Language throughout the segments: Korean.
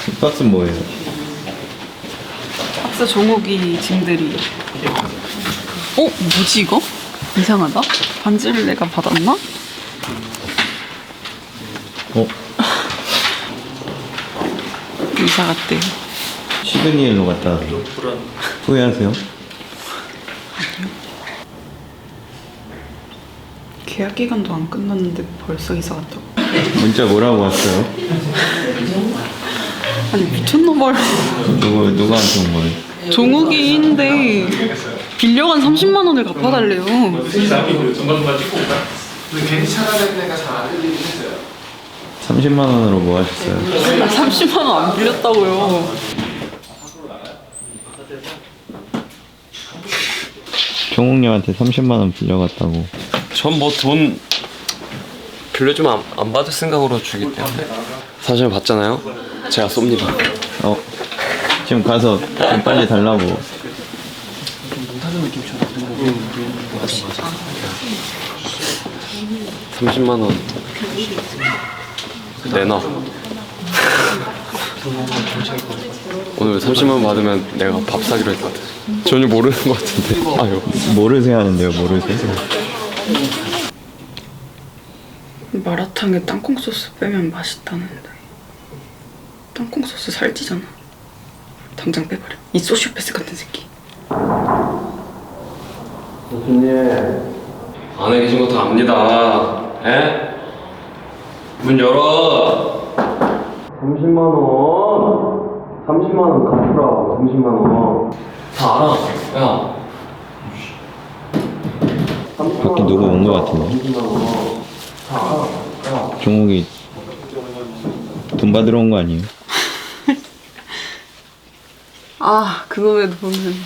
이 박스는 뭐예요? 박스 종욱이 짐들이. 뭐지 이거? 이상하다. 반지를 내가 받았나? 이사 갔대요. 시드니엘로 갔다 후회하세요? 계약 기간도 안 끝났는데 벌써 이사 갔다고. 문자 뭐라고 왔어요? 아니 미쳤나봐요. 누구한테 온 거예요? 종욱이인데 빌려간 30만 원을 갚아달래요. 괜히 찾아내는 애가 잘 안 들리긴 했어요. 30만 원으로 뭐 하셨어요? 30만 원 안 빌렸다고요. 종욱님한테 30만 원 빌려갔다고. 전 뭐 돈 빌려주면 안 받을 생각으로 주기 때문에 사실 받잖아요. 제가 쏩니다. 지금 가서 좀 빨리 달라고. 30만 원 내놔. 오늘 30만 원 받으면 내가 밥 사기로 했거든. 전혀 모르는 것 같은데. 아유. 모르세요 하는데요, 모르세요? 마라탕에 땅콩 소스 빼면 맛있다는데 땅콩 소스 살찌잖아. 당장 빼버려. 이 소시오패스 같은 새끼. 교수님 안에 계신 거 다 압니다. 에? 문 열어. 30만 원. 30만 원 갚으라고. 30만 원. 다 알아. 야. 밖에 누구 온 거 같은데? 30만 원. 다 알아. 야. 종욱이 돈 받으러 온 거 아니에요? 그놈의 돈은.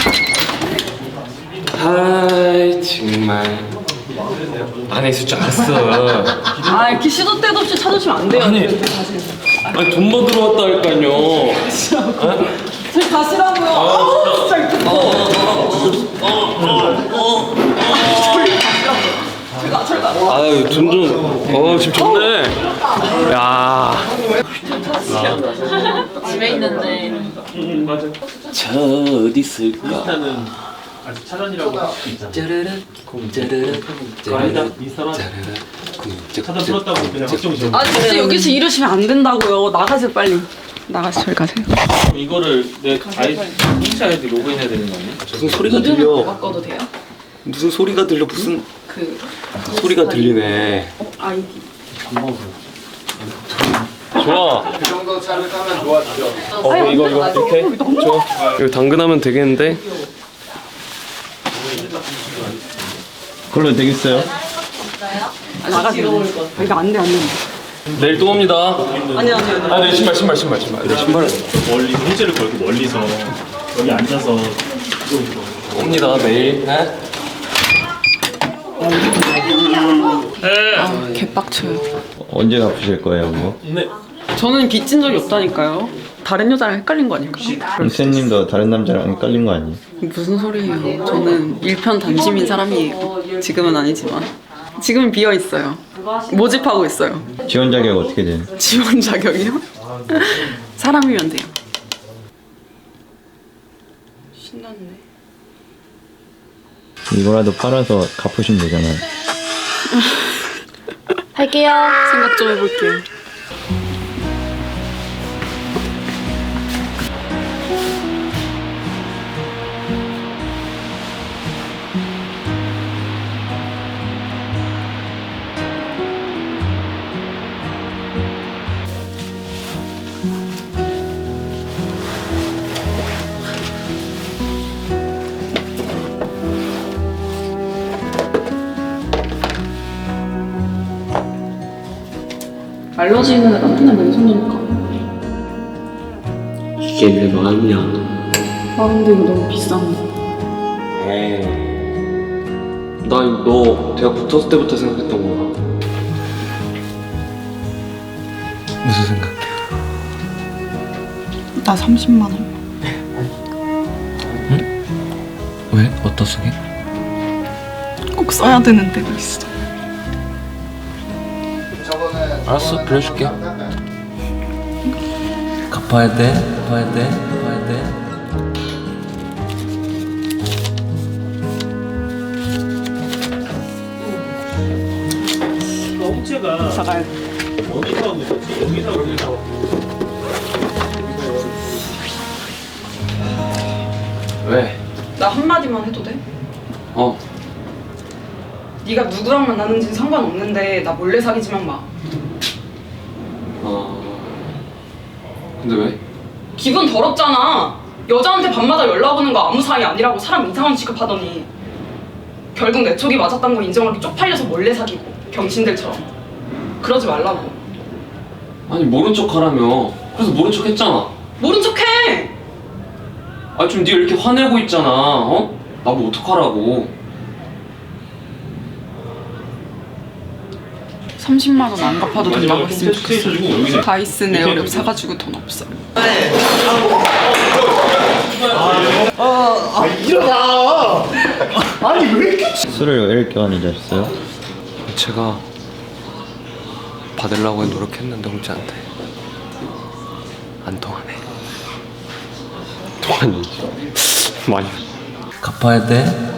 아이 정말 안에 있을 줄 알았어. 이렇게 시도 때도 없이 찾으시면 안 돼요. 아니 돈 받으러 왔다니까요. 저희 가시라고요. 진짜 이거. 아유 돈 좀. 지금 좋네. 야. 집에 있는데. 저 어디 있을까? 인스타는 아직 차단이라고 할 수 있잖아. 짜르르 짜르르 아니다. 인스타만 차단 풀었다고 그냥 확정 지어. 진짜 여기서 이러시면 안 된다고요. 나가세요 빨리. 나가서 저리 가세요. 그럼 이거를 내 인스타 아이디 로그인해야 되는 거 아니야? 무슨 소리가 들려? 바꿔도 돼요? 무슨 소리가 들려? 무슨 그 소리가 들리네. 아이디. 좋아. 그 정도 차를 타면 좋아지죠. 이거 이렇게 좋아. 이거 당근하면 되겠는데? 그걸로 되겠어요? 나가세요. 이거 안 돼, 안 돼. 내일 또 옵니다. 아니야. 내 신발. 내 신발 멀리 홍제를 걸고 멀리서 여기 앉아서 옵니다. 내일. 네? 개빡쳐요. 언제 갚으실 거예요, 그거? 네. 저는 빚진 적이 없다니까요. 다른 여자랑 헷갈린 거 아닐까요? 쌤님도 다른 남자랑 헷갈린 거 아니에요? 무슨 소리예요? 저는 일편단심인 사람이에요. 지금은 아니지만. 지금은 비어 있어요. 모집하고 있어요. 지원 자격 어떻게 돼요? 지원 자격이요? 사람이면 돼요. 신났네. 이거라도 팔아서 갚으시면 되잖아요. 할게요. 생각 좀 해볼게요. 알러지 있는 애가 맨날 맨손이니까. 이게 내 마음이야. 근데 이거 너무 비싼데. 에이. 너 대학 붙었을 때부터 생각했던 거야. 무슨 생각이야? 나 30만 원. 왜? 어디다 쓰게? 꼭 써야 되는 데가 있어. 알았어, 빌려줄게. 갚아. 갚아야 돼, 갚아야 돼, 갚아야 돼. 홍채가 사가야 어디서 하고 있었지? 여기서 하고 있었지? 왜? 나 한마디만 해도 돼? 어. 네가 누구랑 만나는지는 상관없는데 나 몰래 사귀지만 마. 근데 왜? 기분 더럽잖아. 여자한테 밤마다 연락 오는 거 아무 사이 아니라고 사람 이상한 취급하더니 결국 내 촉이 맞았던 거 인정하기 쪽팔려서 몰래 사귀고 병신들처럼. 그러지 말라고. 아니 모른 척 하라며. 그래서 모른 척 했잖아. 모른 척해. 아 좀 네가 이렇게 화내고 있잖아. 어? 나뭐 어떡하라고. 30만 원 안 갚아도 된다고 했으면 좋겠어. 해주고 여기서 다이슨 에어랩 사가지고 돈 없어. 술을 왜 이렇게 많이 드셨어요? 제가 받으려고 노력했는데 홍채한테 안 통하네. 통하니 많이 갚아야 돼.